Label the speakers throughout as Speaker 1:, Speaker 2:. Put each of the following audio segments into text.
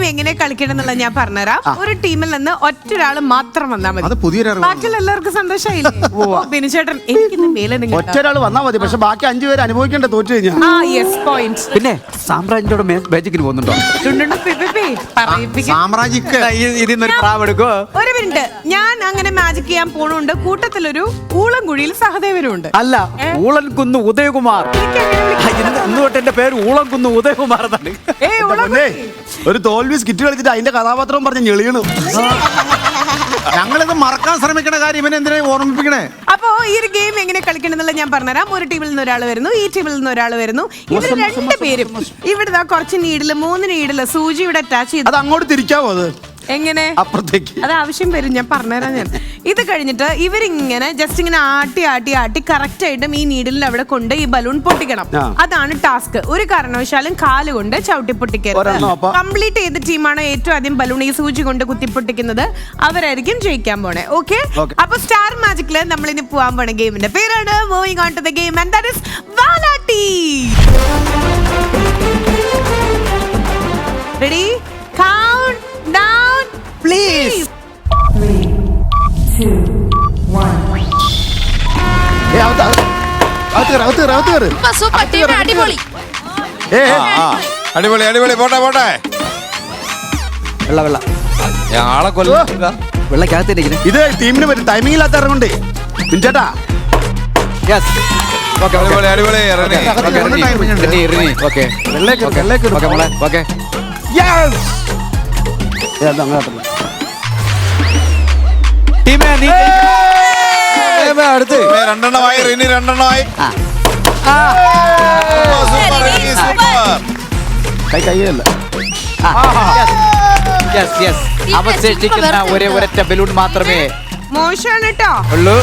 Speaker 1: എങ്ങനെ കളിക്കണം എന്നുള്ളത് ഞാൻ പറഞ്ഞുതരാം. ഒരു ടീമിൽ നിന്ന് ഒറ്റൊരാൾ മാത്രം വന്നാൽ മതി.
Speaker 2: അത് പുതിയൊരു
Speaker 1: ബാക്കിയുള്ള എല്ലാവർക്കും സന്തോഷമായില്ലേ? ബിനുചേട്ടൻ എനിക്കിന്ന് മേലെ
Speaker 2: ഒറ്റൊരാൾ വന്നാൽ മതി, പക്ഷെ ബാക്കി 5 പേര് അനുഭവിക്കേണ്ട തോറ്റു കഴിഞ്ഞാൽ.
Speaker 3: പിന്നെ സാമ്രാജ്യത്തോടെ മാജിക്കിന് പോകുന്നുണ്ടോ?
Speaker 1: ഒരു മിനിറ്റ്, ഞാൻ അങ്ങനെ മാജിക് ചെയ്യാൻ പോണുണ്ട്. കൂട്ടത്തിലൊരു ഊളംകുഴിയിൽ സഹദേവനുണ്ട്.
Speaker 3: അല്ല, ഊളൻകുന്ന് ഉദയകുമാർ. ഇന്ന് തൊട്ട് എന്റെ പേര് ഊളംകുന്ന് ഉദയകുമാർ എന്നാണ്.
Speaker 2: ഒരു തോൽവി സ്കിറ്റ് കളിച്ചിട്ട് അതിന്റെ കഥാപാത്രവും പറഞ്ഞ് ഞെളിയണു. ഞങ്ങളിത് മറക്കാൻ ശ്രമിക്കണ കാര്യം ഇവനെ എന്തിനാ ഓർമ്മിപ്പിക്കണേ?
Speaker 1: അപ്പോ ഈ ഒരു ഗെയിം എങ്ങനെ കളിക്കണം എന്നുള്ള ഞാൻ പറഞ്ഞുതരാം. ഒരു ടീമിൽ നിന്ന് ഒരാൾ വരുന്നു, ഈ ടീമിൽ നിന്ന് ഒരാൾ വരുന്നു. ഇവർ 2 പേരും ഇവിടെ കുറച്ച് നീഡില് 3 നീഡില് സൂചി ഇവിടെ അറ്റാച്ച് ചെയ്ത്
Speaker 2: അത് അങ്ങോട്ട് തിരിക്കാവോ? അത്
Speaker 1: എങ്ങനെ
Speaker 2: അപ്പുറത്തേക്ക്
Speaker 1: അത് ആവശ്യം വരും, ഞാൻ പറഞ്ഞുതരാം. ഞാൻ ഇത് കഴിഞ്ഞിട്ട് ഇവരിങ്ങനെ ജസ്റ്റ് ഇങ്ങനെ ആട്ടി കറക്റ്റ് ആയിട്ടും ഈ നീഡിലിൽ അവിടെ കൊണ്ട് ഈ ബലൂൺ പൊട്ടിക്കണം. അതാണ് ടാസ്ക്. ഒരു കാരണവശാലും കാലുകൊണ്ട് ചവിട്ടി പൊട്ടിക്കരുത്. കംപ്ലീറ്റ് ചെയ്ത ടീമാണ് ഏറ്റവും ആദ്യം ബലൂൺ ഈ സൂചി കൊണ്ട് കുത്തിപ്പൊട്ടിക്കുന്നത്, അവരായിരിക്കും ജയിക്കാൻ പോണേ. ഓക്കെ, അപ്പൊ സ്റ്റാർ മാജിക്കില് നമ്മൾ ഇനി പോവാൻ പോണ ഗെയിമിന്റെ പേരാണ് moving on to the game and that is Valatty. Ready? Count down please.
Speaker 4: 3, 2, 1.
Speaker 5: അടിപൊളി അടിപൊളി. പോട്ടെ പോട്ടെ.
Speaker 3: വെള്ള
Speaker 5: ആളെ കൊല്ല
Speaker 3: വെള്ളക്കകത്തിരിക്കുന്നു.
Speaker 2: ഇത് ടീമിന് പറ്റും, ടൈമിംഗ് ഇല്ലാത്ത ഇറങ്ങുണ്ട് ചേട്ടാ.
Speaker 5: അടിപൊളി അടിപൊളി.
Speaker 3: അടുത്ത്
Speaker 5: 2 റിനി 2
Speaker 2: കൈയല്ല.
Speaker 3: അവശേഷിക്കുന്ന ഒരൊറ്റ ബലൂൺ മാത്രമേ
Speaker 1: മോശമാണ് കേട്ടോ
Speaker 3: ഉള്ളൂ.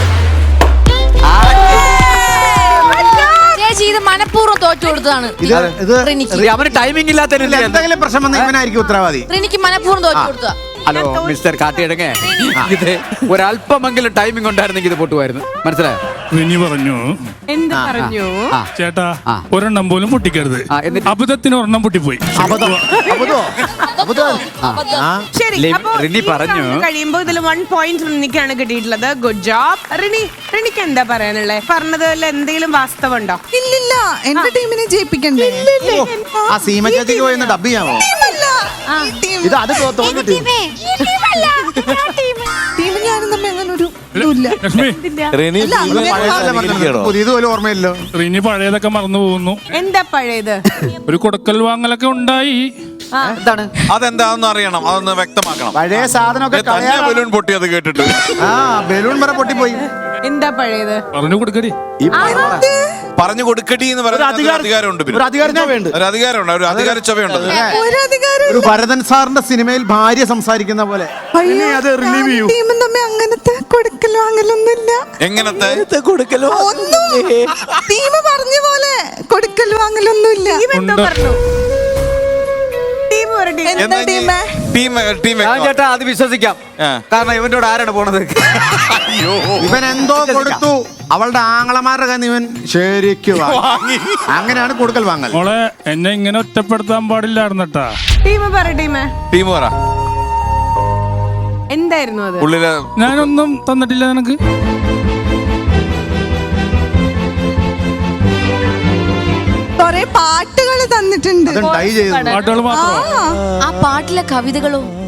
Speaker 6: ഇത് മനഃപൂർവ്വം തോറ്റു കൊടുത്തതാണ്.
Speaker 3: അവന് ടൈമിംഗ് ഇല്ലാത്ത
Speaker 2: എന്തെങ്കിലും പ്രശ്നം വന്ന ഇവനായിരിക്കും ഉത്തരവാദി.
Speaker 6: എനിക്ക് മനഃപൂർവ്വം തോറ്റു കൊടുത്തതാ.
Speaker 3: ഹലോ മിസ്റ്റർ കാട്ടിയിടങ്ങേ, ഇത് ഒരല്പമെങ്കിലും ടൈമിംഗ് ഉണ്ടായിരുന്നെങ്കിൽ ഇത് പൊട്ടുമായിരുന്നു. മനസ്സിലായോ?
Speaker 7: റിനി പറഞ്ഞു,
Speaker 1: എന്ത് പറഞ്ഞു
Speaker 7: ചേട്ടാ ഒരെണ്ണം പോലും പൊട്ടിക്കരുത്. അബദ്ധത്തിന് ഒരെണ്ണം പൊട്ടിപ്പോയി.
Speaker 1: ശരി, അപ്പൊ
Speaker 3: റിനി പറഞ്ഞു
Speaker 1: കഴിയുമ്പോ ഇതിൽ 1 പോയിന്റ് റിനിക്കാണ് കിട്ടിയിട്ടുള്ളത്. Good job Rini. റിനിക്ക് എന്താ പറയാനുള്ളത്? പറഞ്ഞതിൽ എന്തെങ്കിലും വാസ്തവം ഉണ്ടോ?
Speaker 8: ഇല്ലില്ല, എന്റെ ടീമിനെ ജയിപ്പിക്കണ്ടേ?
Speaker 2: ആ സീമ ചേച്ചിക്ക് പോയി ഡബ് ചെയ്യാമോ? ഇത് അത് തോന്നി
Speaker 8: ടീം ഞാനും തമ്മിൽ അങ്ങനെ ഒരു ഇല്ല.
Speaker 2: പുതിയതുപോലെ ഓർമ്മയില്ലോ.
Speaker 7: റിനി പഴയതൊക്കെ മറന്നു പോകുന്നു.
Speaker 1: എന്താ പഴയത്?
Speaker 7: ഒരു കൊടുക്കൽ വാങ്ങലൊക്കെ ഉണ്ടായി.
Speaker 3: എന്താണ്
Speaker 5: അതെന്താണെന്ന് അറിയണം, അതൊന്ന് വ്യക്തമാക്കണം.
Speaker 2: പഴയ സാധനമൊക്കെ
Speaker 5: ബലൂൺ പൊട്ടിയത് കേട്ടിട്ട്
Speaker 2: ബലൂൺ വരെ പൊട്ടിപ്പോയി.
Speaker 1: എന്താ പഴയത്?
Speaker 7: പറഞ്ഞു കൊടുക്കടി.
Speaker 5: പറഞ്ഞു കൊടുക്കടി എന്ന് പറയുന്ന അധികാരമുണ്ട്.
Speaker 2: ഒരു അധികാരമുണ്ട്,
Speaker 5: ഒരു അധികാര ചൊവയുണ്ട്.
Speaker 2: ഒരു ഭരതൻ സാറിന്റെ സിനിമയിൽ ഭാര്യ സംസാരിക്കുന്ന പോലെ.
Speaker 8: ടീമും തമ്മിൽ അങ്ങനത്തെ കൊടുക്കൽ വാങ്ങലൊന്നുമില്ല.
Speaker 5: എങ്ങനത്തെ
Speaker 8: ടീം പറഞ്ഞ പോലെ കൊടുക്കൽ വാങ്ങലൊന്നുമില്ല.
Speaker 3: ചേട്ടാ അത് വിശ്വസിക്കാം, കാരണം ഇവന്റെ ആരാണ് പോണത്?
Speaker 2: ഇവൻ എന്തോ കൊടുത്തു, അവളുടെ ആങ്ങളമാരുടെ കയ്യിൽ ഇവൻ ശരിക്കും അങ്ങനെയാണ് കൊടുക്കൽ വാങ്ങൽ.
Speaker 7: മോളെ എന്നെ ഇങ്ങനെ ഒറ്റപ്പെടുത്താൻ പാടില്ലായിരുന്നട്ടാ.
Speaker 5: ടീം പറ
Speaker 1: എന്തായിരുന്നു അത്?
Speaker 7: ഞാനൊന്നും തന്നിട്ടില്ല നിനക്ക്.
Speaker 8: കൊറേ പാട്ടുകൾ തന്നിട്ടുണ്ട്.
Speaker 7: പാട്ടുകൾ മാത്രമോ?
Speaker 6: ആ പാട്ടിലെ കവിതകളോ?